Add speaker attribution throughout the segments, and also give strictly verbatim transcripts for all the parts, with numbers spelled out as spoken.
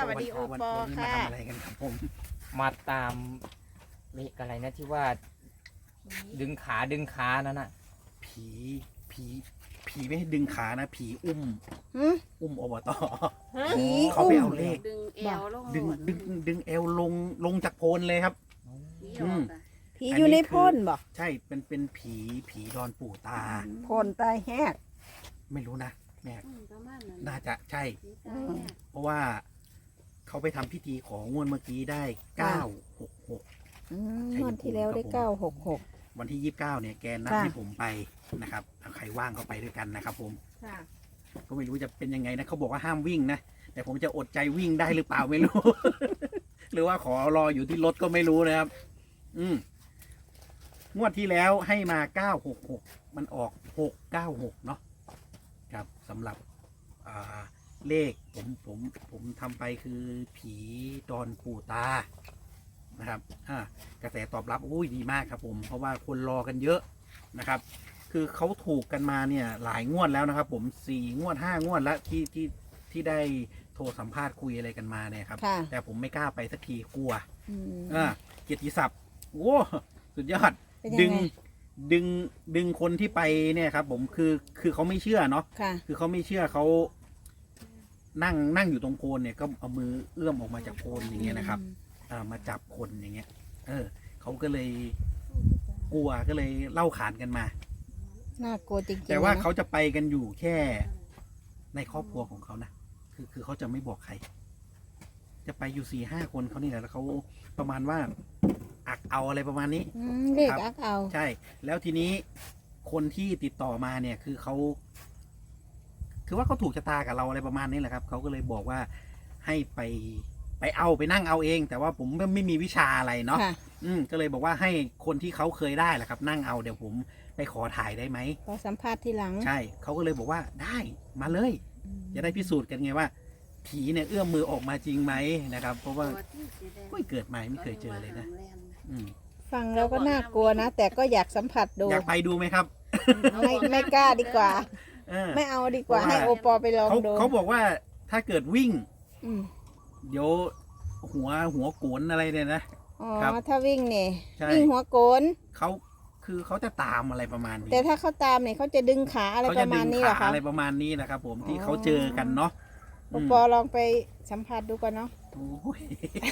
Speaker 1: วัสดีโอปอค่ะ
Speaker 2: มาทำอะไรกันครับผม
Speaker 3: มาตามเลขอะไรนะที่ว่าดึงขาดึงขานั่นน่ะ
Speaker 2: ผีผีผีไม่ให้ดึงขานะผีอุ้ม
Speaker 1: หืม
Speaker 2: อุ้มอบต
Speaker 1: ผี
Speaker 2: เขาไปเอาเลข
Speaker 4: ดึงเอวลง
Speaker 2: ดึงดึงดึงเอวลงลงจากโพนเลยครับ
Speaker 4: ผีออกอะ
Speaker 1: ผีอยู่ในพ่นบ่
Speaker 2: ใช่เป็นเป็นผีผีดอนปู่ตา
Speaker 1: พ่นตายแหก
Speaker 2: ไม่รู้นะแม่
Speaker 4: อืมประมาณนั้น
Speaker 2: น่าจะใช่
Speaker 4: ผีตายเนี่ย
Speaker 2: เพราะว่าเขาไปทำพิธีของงวดเมื่อกี้ได้เก้าหกหก
Speaker 1: อืมงวดที่แล้วได้เก้าหกหก
Speaker 2: วันที่ยี่สิบเก้าเนี่ยแกนัด
Speaker 1: ค่ะ
Speaker 2: ให้ผมไปนะครับเอาใครว่างก็ไปด้วยกันนะครับผม
Speaker 1: ค่ะ
Speaker 2: ก็ไม่รู้จะเป็นยังไงนะเขาบอกว่าห้ามวิ่งนะแต่ผมจะอดใจวิ่งได้หรือเปล่าไม่รู้ หรือว่าขอรออยู่ที่รถก็ไม่รู้นะครับ อืมงวดที่แล้วให้มาเก้าหกหกมันออกหกเก้าหกเนาะครับสำหรับอ่าเลขผมผมผมทำไปคือผีดอนปู่ตานะครับอ่ากระแสตอบรับอุ้ยดีมากครับผมเพราะว่าคนรอกันเยอะนะครับ คือเขาถูกกันมาเนี่ยหลายงวดแล้วนะครับ ผมสี่งวดห้างวดแล้วที่ที่ที่ได้โทรสัมภาษณ์คุยอะไรกันมาเนี่ยครับ
Speaker 1: ค่ะ
Speaker 2: แต่ผมไม่กล้าไปสักทีกลัว
Speaker 1: อืม
Speaker 2: อ่าเกียรติศัพท์โอ้สุดยอด
Speaker 1: เป็นยัง
Speaker 2: ดึง
Speaker 1: ไง
Speaker 2: ดึงดึงคนที่ไปเนี่ยครับ ผมคือคือเขาไม่เชื่อเนาะ
Speaker 1: ค่ะ
Speaker 2: คือเขาไม่เชื่อเขานั่งนั่งอยู่ตรงโคนเนี่ยก็เอามือเอื้อมออกมาจากโคนอย่างเงี้ยนะครับอ่ามาจับคนอย่างเงี้ย เออเขาก็เลยกลัวก็เลยเล่าขานกันมา
Speaker 1: น่ากลัวจริงๆ
Speaker 2: แต่ว่า
Speaker 1: นะ
Speaker 2: เขาจะไปกันอยู่แค่ในครอบครัวของเขานะคือคือเขาจะไม่บอกใคร จะไปอยู่สี่ห้าคนเขานี่แหละแล้วเขาประมาณว่าอักเอาอะไรประมาณนี้
Speaker 1: อืมเลขอักเอา
Speaker 2: ใช่ แล้วทีนี้คนที่ติดต่อมาเนี่ย คือเขาคือว่าเขาถูกชะตากับเราอะไรประมาณนี้แหละครับเขาก็เลยบอกว่าให้ไปไปเอาไปนั่งเอาเอง แต่ว่าผมไม่ไม่มีวิชาอะไรเนาะ
Speaker 1: ค่ะ
Speaker 2: อืมก็เลยบอกว่าให้คนที่เขาเคยได้แหละครับ นั่งเอาเดี๋ยวผมไปขอถ่ายได้ไหม
Speaker 1: ขอสัมภาษณ์ทีหลัง
Speaker 2: ใช่เขาก็เลยบอกว่าได้มาเลย จะได้พิสูจน์กันไงว่า ผีเนี่ยเอื้อมมือออกมาจริงไหมนะครับ เพราะว่า
Speaker 4: ตัวที่สีแดง
Speaker 2: ไม่เกิดมาไม่เคยเจอเลยนะ อืม
Speaker 1: ฟังแล้วก็น่ากลัวนะ แต่ก็อยากสัมผัสดู
Speaker 2: อยากไปดูไหมครับ
Speaker 1: ไม่ไม่กล้าดีกว่า
Speaker 2: เออ
Speaker 1: ไม่เอาดีกว่า
Speaker 2: เพราะว่า
Speaker 1: ให้โอปอไปลอง
Speaker 2: เขา
Speaker 1: ดู
Speaker 2: เขาบอกว่าถ้าเกิดวิ่ง
Speaker 1: อืม
Speaker 2: เดี๋ยวหัวหัวโกนอะไรเนี่ยนะ
Speaker 1: อ๋อ
Speaker 2: ครับ
Speaker 1: ถ้าวิ่งเนี่ย
Speaker 2: ใช่
Speaker 1: วิ่งหัวโกน
Speaker 2: เขาคือเขาจะตามอะไรประมาณนี้
Speaker 1: แต่ถ้าเขาตามเนี่ยเขาจะดึงขาอะไร
Speaker 2: เขา
Speaker 1: ป
Speaker 2: จะ
Speaker 1: ระ
Speaker 2: ดึ
Speaker 1: มาณ
Speaker 2: ง
Speaker 1: นี้เหร
Speaker 2: ขา
Speaker 1: อคะ
Speaker 2: อะไรประมาณนี้นะครับ ผมที่
Speaker 1: อ๋อ
Speaker 2: เขาเจอกันเนาะ
Speaker 1: โอปอลองไปสัมผัสดูก่อนเนาะ
Speaker 2: โอ้ย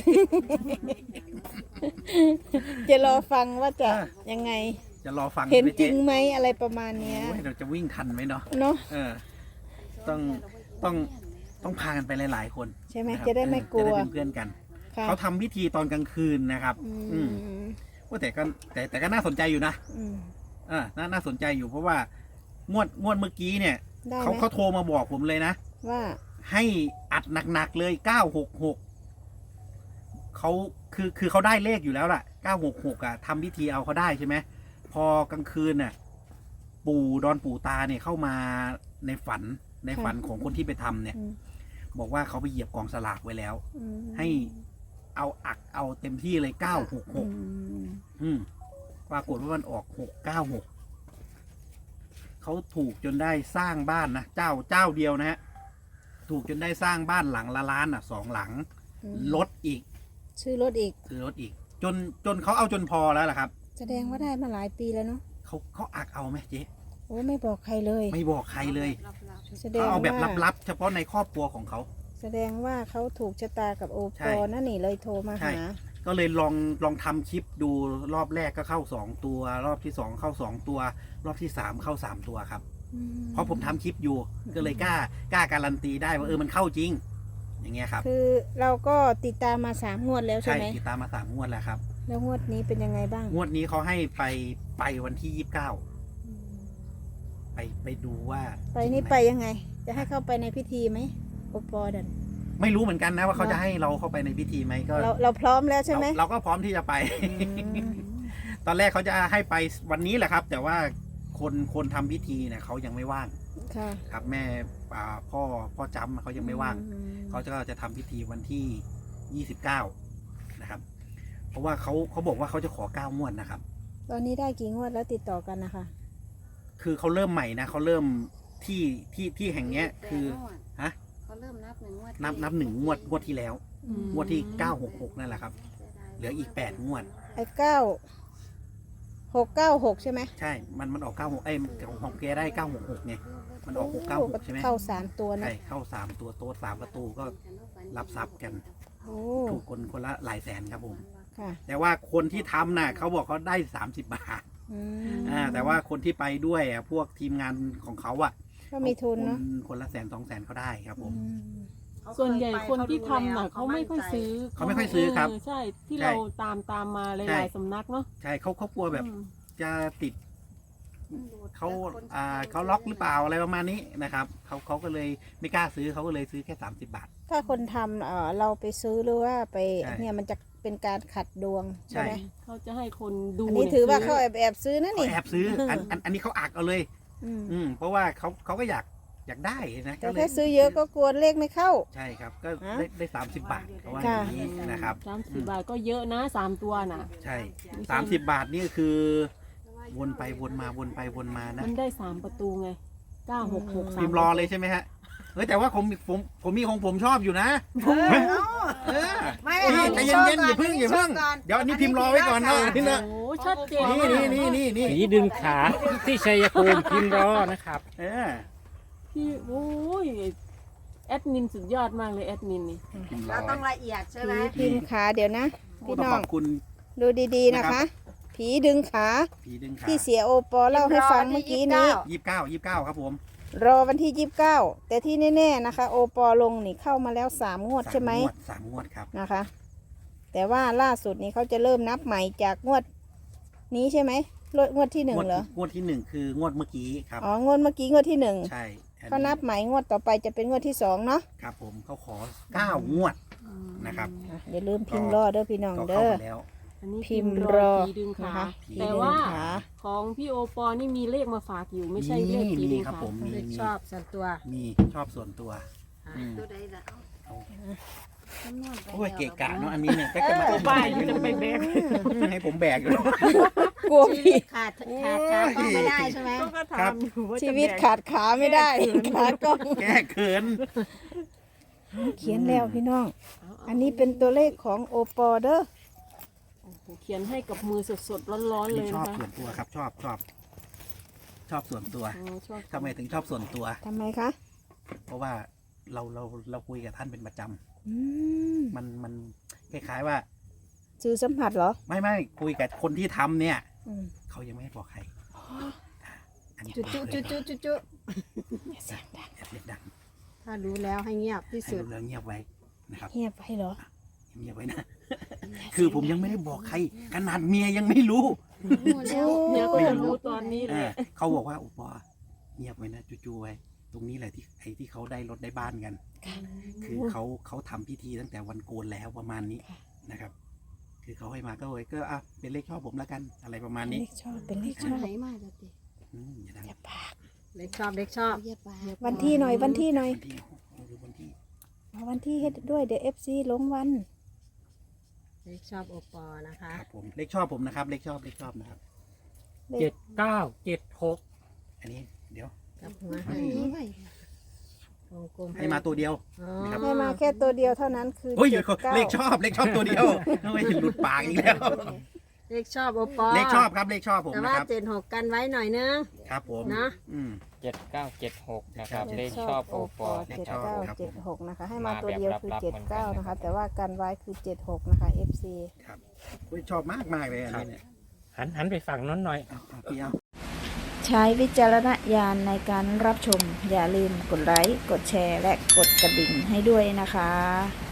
Speaker 1: จะรอฟังว่าจะ
Speaker 2: อ่ะ
Speaker 1: ยังไง
Speaker 2: จะรอฟัง
Speaker 1: เห็น
Speaker 2: ไหม
Speaker 1: จริ
Speaker 2: เจ๊
Speaker 1: งไหมอะไรประมาณเนี้ย
Speaker 2: โอ้ยเราจะวิ่งทันไหมเนาะ
Speaker 1: เนาะ
Speaker 2: เออ ต้องต้อง ต้องพากันไปหลายๆคน
Speaker 1: ใช่ไหม
Speaker 2: นครับ
Speaker 1: จะได้ไม่กลัว
Speaker 2: เออจะได้เป็นเพื่อนกัน
Speaker 1: ค่ะ
Speaker 2: เขาทำพิธีตอนกลางคืนนะครับ
Speaker 1: อื
Speaker 2: อืม
Speaker 1: ม
Speaker 2: ว่าแต่ก็แต่แต่ก็น่าสนใจอยู่นะ
Speaker 1: อืม
Speaker 2: อ่าน่าน่าสนใจอยู่เพราะว่างวดงวดเมื่อกี้เนี่ย
Speaker 1: ได้
Speaker 2: เขา
Speaker 1: ไหม
Speaker 2: เขาโทรมาบอกผมเลยนะ
Speaker 1: ว่า
Speaker 2: ให้อัดหนักๆเลยเก้าหกหกเขาคือคือเขาได้เลขอยู่แล้วล่ะเก้าหกหกอ่ะทำพิธีเอาเขาได้ใช่ไหมพอกลางคืนน่ะ ปู่ดอนปู่ตาเนี่ยเข้ามาในฝันในฝันของคนที่ไปทำเนี่ย
Speaker 1: อืม
Speaker 2: บอกว่าเขาไปเหยียบกองสลากไว้แล้ว
Speaker 1: อืม
Speaker 2: ให้เอาอักเอาเต็มที่เลยเก้าหกห
Speaker 1: อื
Speaker 2: ก
Speaker 1: ม
Speaker 2: อืมปรากฏว่ามันออกหกเก้าหกเขาถูกจนได้สร้างบ้านนะเจ้าเจ้าเดียวนะฮะถูกจนได้สร้างบ้านหลังละล้านอ่ะสองหลัง
Speaker 1: อืม
Speaker 2: รถอีก
Speaker 1: ซื้อรถอีก
Speaker 2: คือรถอีก จนจนเขาเอาจนพอแล้วล่ะครับ
Speaker 1: แสดงว่าได้มาหลายปีแล้วเนาะ
Speaker 2: เขาเขาอักเอาไหมเจ๊
Speaker 1: โอ้ไม่บอกใครเลย
Speaker 2: ไม่บอกใครเลย
Speaker 1: แสด
Speaker 2: เขา
Speaker 1: ง
Speaker 2: เอาแบบ
Speaker 1: ว่า
Speaker 2: ลับๆเฉพาะในครอบครัวของเขา
Speaker 1: แสดงว่าเขาถูกชะตากับโอ
Speaker 2: ใช่
Speaker 1: ปอนั่นนี่เลยโทรมา
Speaker 2: ใช่
Speaker 1: หา
Speaker 2: ก็เลยลองลองทำคลิปดูรอบแรกก็เข้าสองตัว รอบที่สองเข้าสองตัว รอบที่สามเข้าสามตัวครับ
Speaker 1: อืม
Speaker 2: เพราะผมทำคลิปอยู่ ก็เลยกล้ากล้าการันตีได้ว่าเออมันเข้าจริง อย่างเงี้ยครับ
Speaker 1: คือเราก็ติดตามมาสามงวดแล้วใช่
Speaker 2: ใช่
Speaker 1: ไหม
Speaker 2: ติดตามมาสามงวดแล้วครับ
Speaker 1: แล้วงวดนี้เป็นยังไงบ้าง
Speaker 2: งวดนี้เขาให้ไปไปวันที่ยี่สิบเก้าไปไปดูว่า
Speaker 1: ไปนี่
Speaker 2: จริงหม
Speaker 1: ไปยังไง จะให้เข้าไปในพิธีไหมโอปอดัน
Speaker 2: ไม่รู้เหมือนกันนะว่าเขา
Speaker 1: เนอะ
Speaker 2: จะให้เราเข้าไปในพิธีไหมก็
Speaker 1: เราเราพร้อมแล้วใช่ไหม
Speaker 2: เราเราก็พร้อมที่จะไป
Speaker 1: อืม
Speaker 2: ตอนแรกเขาจะให้ไปวันนี้แหละครับ แต่ว่าคนคนทำพิธีเนี่ยเขายังไม่ว่าง
Speaker 1: ค่ะ
Speaker 2: ครับ แม่อ่าพ่อพ่อจำเขายังไม่ว่าง
Speaker 1: อืม
Speaker 2: เขาจะจะทำพิธีวันที่ยี่สิบเก้านะครับ เพราะว่าเขาเขาบอกว่าเขาจะขอเก้างวดนะครับ
Speaker 1: ตอนนี้ได้กี่งวดแล้วติดต่อกันนะคะ
Speaker 2: คือเขาเริ่มใหม่นะเขาเริ่มที่ที่ที่แห่งเนี้ยคือฮะ
Speaker 4: เขาเริ่มนับหนึ่งงวด
Speaker 2: นับนับหนึ่งงวดงวดที่แล้ว
Speaker 1: อืม
Speaker 2: งวดที่เก้าหกหกนั่นแหละครับ เหลืออีกแปดงวด
Speaker 1: ไอ้เก้าหกเก้าหกใช่ไหม
Speaker 2: ใช่ มันมันออกเก้าหกเอ้ยของของแกได้เก้าหกหกไง มันออกหกเก้าหกใช่ไหม
Speaker 1: เข้าสามตัวนะ
Speaker 2: ใช่เข้าสามตัวโต๊ะสามประตูก็รับทรัพย์กัน
Speaker 1: โอ้
Speaker 2: ถูกคนคนละหลายแสนครับผม
Speaker 1: ค่ะ
Speaker 2: แต่ว่าคนที่ทำน่ะเขาบอกเขาได้สามสิบบาท
Speaker 1: อืม
Speaker 2: อ่าแต่ว่าคนที่ไปด้วยอ่ะพวกทีมงานของเขาอ่ะ
Speaker 1: ก็มีทุนเนาะ
Speaker 2: คนคนละแสนสองแสนเขาได้ครับผม
Speaker 1: อืม
Speaker 5: ส่วนใหญ่คนที่ทำน่ะเขาไม่ค่อยซื้อ
Speaker 2: เขาไม่ค่อยซื้อครับ
Speaker 5: เใช่ที่
Speaker 2: ใช่
Speaker 5: เราตามตามมาห
Speaker 2: ใช่
Speaker 5: ลายๆสำนักเนาะ
Speaker 2: ใช่เขาเขากลัวแบบ
Speaker 5: อืม
Speaker 2: จะติดเขาอ่าเขาล็อกหรือเปล่าอะไรประมาณนี้นะครับเขาเขาก็เลยไม่กล้าซื้อเขาก็เลยซื้อแค่สามสิบบาท
Speaker 1: ถ้าคนทำเอ่อเราไปซื้อหรือว่าไป
Speaker 2: ใช่
Speaker 1: เนี่ยมันจะเป็นการขัดดวง
Speaker 2: ใช่
Speaker 1: ใช่ไหม
Speaker 5: เขาจะให้คนดู
Speaker 1: อันนี้
Speaker 5: เนี่ย
Speaker 1: ถือว่า
Speaker 5: ซื้
Speaker 1: เขาแอบแอบซื้อนะ
Speaker 2: เขา
Speaker 1: นี่
Speaker 2: แอบซื้ออันอันอันนี้เขาอักเอาเลย
Speaker 1: อืม
Speaker 2: อืมเพราะว่าเขาเขาก็อยากอยากได้นะ
Speaker 1: แต่
Speaker 2: ก็เล
Speaker 1: ถ้าย ซื้อเยอะก็กลัวเลขไม่เข้า
Speaker 2: ใช่ครับ ก็
Speaker 1: ฮะ
Speaker 2: ได้ได้สามสิบบาทเขาว่าอ
Speaker 1: ค่ะ
Speaker 2: ย่างนี้นะครับ
Speaker 5: สามสิบบาทก็เยอะนะสามตัวน่ะ
Speaker 2: ใช่สามสิบบาทนี่คือ วนไปวนมาวนไปวนมานะ
Speaker 5: มันได้สามประตูไงเก้าหกหกสาม
Speaker 2: พิมพ์รอเลยใช่ไหมฮะเฮ้ยแต่ว่าผมผมผมมีของผมชอบอยู่นะเออ
Speaker 6: ไม่
Speaker 2: นี่
Speaker 6: เอา
Speaker 2: ใจเย็นๆอย่าเพิ่งอย่าเพิ่งเดี๋ยวอันนี้พิมพ์รอไว้ก่อนนะนี่นะ
Speaker 5: โอ้ชัดเจน
Speaker 2: นี่นี่นี่นี่นี่
Speaker 3: ผีดึงขาที่ชัยภูมิพิมพ์รอนะครับ
Speaker 2: เออ
Speaker 5: พี่โอ้ยแอดมินสุดยอดมากเลยแอดมินนี่
Speaker 2: พิมพ์ร
Speaker 6: เรา
Speaker 2: อ
Speaker 6: ต้อง
Speaker 2: ไว้
Speaker 6: ละเอียดใช่ไหม
Speaker 1: ผีพิมพ์ขาเดี๋ยวนะ พี่
Speaker 2: ต้อง
Speaker 1: น้อ
Speaker 2: ข
Speaker 1: ง
Speaker 2: อบคุณ
Speaker 1: ดูดีๆนะคะ ผีดึงขา
Speaker 2: ผีดึงขา
Speaker 1: ที่เสียโอปอเล่าให้ฟังเมื่อกี้นี้
Speaker 2: ยี่สิบเก้ายี่สิบเก้าครับผม
Speaker 1: รอวันที่ยี่สิบเก้าแต่ที่แน่ๆนะคะ โอปอลงนี่เข้ามาแล้วสามงวดใช่ไหม
Speaker 2: สางวดสามงวดครับ
Speaker 1: นะคะ แต่ว่าล่าสุดนี้เขาจะเริ่มนับใหม่จากงวดนี้ใช่ไหมงวดงวดที่หนึ่ง
Speaker 2: งวด
Speaker 1: เหรอ
Speaker 2: งวดที่หนึ่งคืองวดเมื่อกี้ครับ
Speaker 1: อ๋องวดเมื่อกี้งวดที่หนึ่ง
Speaker 2: ใช่อั
Speaker 1: เขานับใหม่งวดต่อไปจะเป็นงวดที่สองเนาะ
Speaker 2: ครับผมเขาขอเก้างวดนะครับ
Speaker 1: อ่ะอย่าลืมพิมพ์รอเด้อพี่น้อง
Speaker 2: ก็เข้า
Speaker 1: เด้อ
Speaker 2: มาแล้ว
Speaker 5: อันนี้
Speaker 1: พิมพ์รอ
Speaker 5: ผีดึงขา
Speaker 1: นะคะ
Speaker 5: แต่ว่า
Speaker 1: ผีดึงขา
Speaker 5: ของพี่โอปอนี่มีเลขมาฝากอยู่ไม่ใช่เลขผี
Speaker 2: มี
Speaker 5: ดึง
Speaker 2: ครับ
Speaker 5: ขา
Speaker 2: ผมมี
Speaker 6: เลข
Speaker 2: มี
Speaker 6: ชอบส่วนตัว
Speaker 2: มีชอบส่วนตัวอืม
Speaker 4: ตัวใดล่ะเอา
Speaker 2: เอา
Speaker 4: จำนวนไป
Speaker 2: โอ้ย
Speaker 4: แล้ว
Speaker 2: เกะกะเนาะอันนี้เนี่ยก็จะมา
Speaker 5: ป้ายมันจะไปแบก
Speaker 2: ให้ผมแบกอยู่
Speaker 1: กลัว
Speaker 6: ชี
Speaker 1: พี่
Speaker 6: วิตขาดขาดขาต้องไม่ได้ใช่ไหม
Speaker 5: ก็ถามอยู่ว่าจะ
Speaker 1: ชีวิต
Speaker 5: แบก
Speaker 1: ขาดขาไม่ได้ขากล้อง
Speaker 2: แก้เขิน
Speaker 1: เขียนแล้วพี่น้อง อันนี้เป็นตัวเลขของโอปอเด้อ
Speaker 5: โอ้โหเขียนให้กับมือสดๆร้อนๆเล
Speaker 2: นี่
Speaker 5: ย
Speaker 2: ช
Speaker 5: นะ
Speaker 2: อบ
Speaker 5: คะ
Speaker 2: ส่วนตัวครับ ชอบชอบ ชอบส่วนตัว
Speaker 5: โอ้ชอบ
Speaker 2: ทำไมถึงชอบส่วนตัว
Speaker 1: ทำไมคะ
Speaker 2: เพราะว่าเราเราเราคุยกับท่านเป็นประจำ
Speaker 1: อืม
Speaker 2: มันมันคล้ายๆว่า
Speaker 1: สื่อสัมผัสเหรอ
Speaker 2: ไม่ไม่คุยกับคนที่ทำเนี่ย
Speaker 1: อืม
Speaker 2: เขายังไม่ให้บอกใครอันนี้
Speaker 6: จุจุจุจุจุจุ
Speaker 2: อย่าเสียงดังอย่าเสียงดัง
Speaker 6: ถ้ารู้แล้วให้เงียบที่
Speaker 2: ให้
Speaker 6: สุด
Speaker 2: ดูแล้วเงียบไว้นะครับ
Speaker 1: เงียบไปเหรอ
Speaker 2: เงียบไว้นะ คือผมยังไม่ได้บอกใคร ขนาดเมียยังไม่รู้
Speaker 4: หมดแล้ว
Speaker 5: เนี่ยก็
Speaker 2: ไม่
Speaker 5: จะ
Speaker 2: รู้
Speaker 5: รู้ตอนนี้เล
Speaker 2: อ่าย เขาบอกว่าอุปอเงียบไว้นะจูๆไว้ ตรงนี้แหละที่ไอ้ที่เขาได้รถได้บ้านกัน คือเขาเขาทำพิธีตั้งแต่วันโกนแล้วประมาณนี้นะครับ คือเขาให้มาก็เลยก็อ่ะเป็นเลขชอบผมแล้วกัน อะไรประมาณนี้
Speaker 1: เลขชอบเป็นเลขช
Speaker 4: อัน
Speaker 1: อบ
Speaker 4: ไหนมาจะติ
Speaker 2: อืมอย่าดัง
Speaker 1: อย่าปาก
Speaker 6: เล็กชอบเล็กชอบ
Speaker 4: เยียบปาก
Speaker 1: วันที่หน่อยวันที่หน่อย
Speaker 2: วันที่หรือวันที่
Speaker 1: เอาวันที่ให้ด้วยเดี๋ยวเอฟซีลงวัน
Speaker 6: เล็กชอบโอปอนะคะ
Speaker 2: ครับผมเลขชอบผมนะครับ เลขชอบเลขชอบนะครับ
Speaker 3: เจ็ดเก้าเจ็ดหก
Speaker 2: อันนี้เดี๋ยว
Speaker 6: กับหัว
Speaker 4: อั
Speaker 6: ให้
Speaker 4: นนี้ไว้
Speaker 6: วงกลม
Speaker 2: ให้มาตัวเดียว
Speaker 6: อ๋อ
Speaker 2: นะครับ
Speaker 1: ให้มาแค่ตัวเดียวเท่านั้นคือ
Speaker 2: เฮ้ย
Speaker 1: เจ็ดเก้า
Speaker 2: เลขชอบเลขชอบตัวเดียวไม่หลุดปากอีกแล้ว
Speaker 6: เลขชอบโอปอ
Speaker 2: เลขชอบครับเลขชอบผม
Speaker 6: แต่
Speaker 2: นะ
Speaker 6: ว่า
Speaker 2: ครับ
Speaker 6: เจ็ดหกกันไว้หน่อยนึง
Speaker 2: ครับผม
Speaker 6: นะ
Speaker 2: อืม
Speaker 3: เจ็ดเก้าเจ็ดหกนะครับ
Speaker 1: เล
Speaker 3: เล
Speaker 1: ข
Speaker 3: ข
Speaker 1: ช
Speaker 3: ช
Speaker 1: อ
Speaker 3: อ
Speaker 1: บบ โอ
Speaker 3: โอ
Speaker 1: ป
Speaker 3: ป
Speaker 1: อ
Speaker 3: อ
Speaker 1: เจ็ด
Speaker 3: นะครับ
Speaker 1: เก้า
Speaker 2: ครับ
Speaker 1: เจ็ดหกนะคะ ให้มา
Speaker 3: มา
Speaker 1: ตัวเดียว
Speaker 3: แบบ
Speaker 1: คือ
Speaker 3: ลับๆ
Speaker 1: เจ็ด
Speaker 3: เหมือนกั
Speaker 1: เก้าน
Speaker 3: นะ
Speaker 1: นะ
Speaker 3: ครั
Speaker 1: คะ
Speaker 3: บ
Speaker 1: แต่ว่ากันไว้คือเจ็ดหกนะคะเอฟซี
Speaker 2: ครับอุ๊ยชอบมากมากเลยอันนี้เนี่ย
Speaker 3: หันหันไปฝั่งนั้นหน่อย
Speaker 2: เอาเอาพี่เอา
Speaker 1: ใช้วิจารณญาณในการรับชม อย่าลืมกดไลค์ กดแชร์ และกดกระดิ่งให้ด้วยนะคะ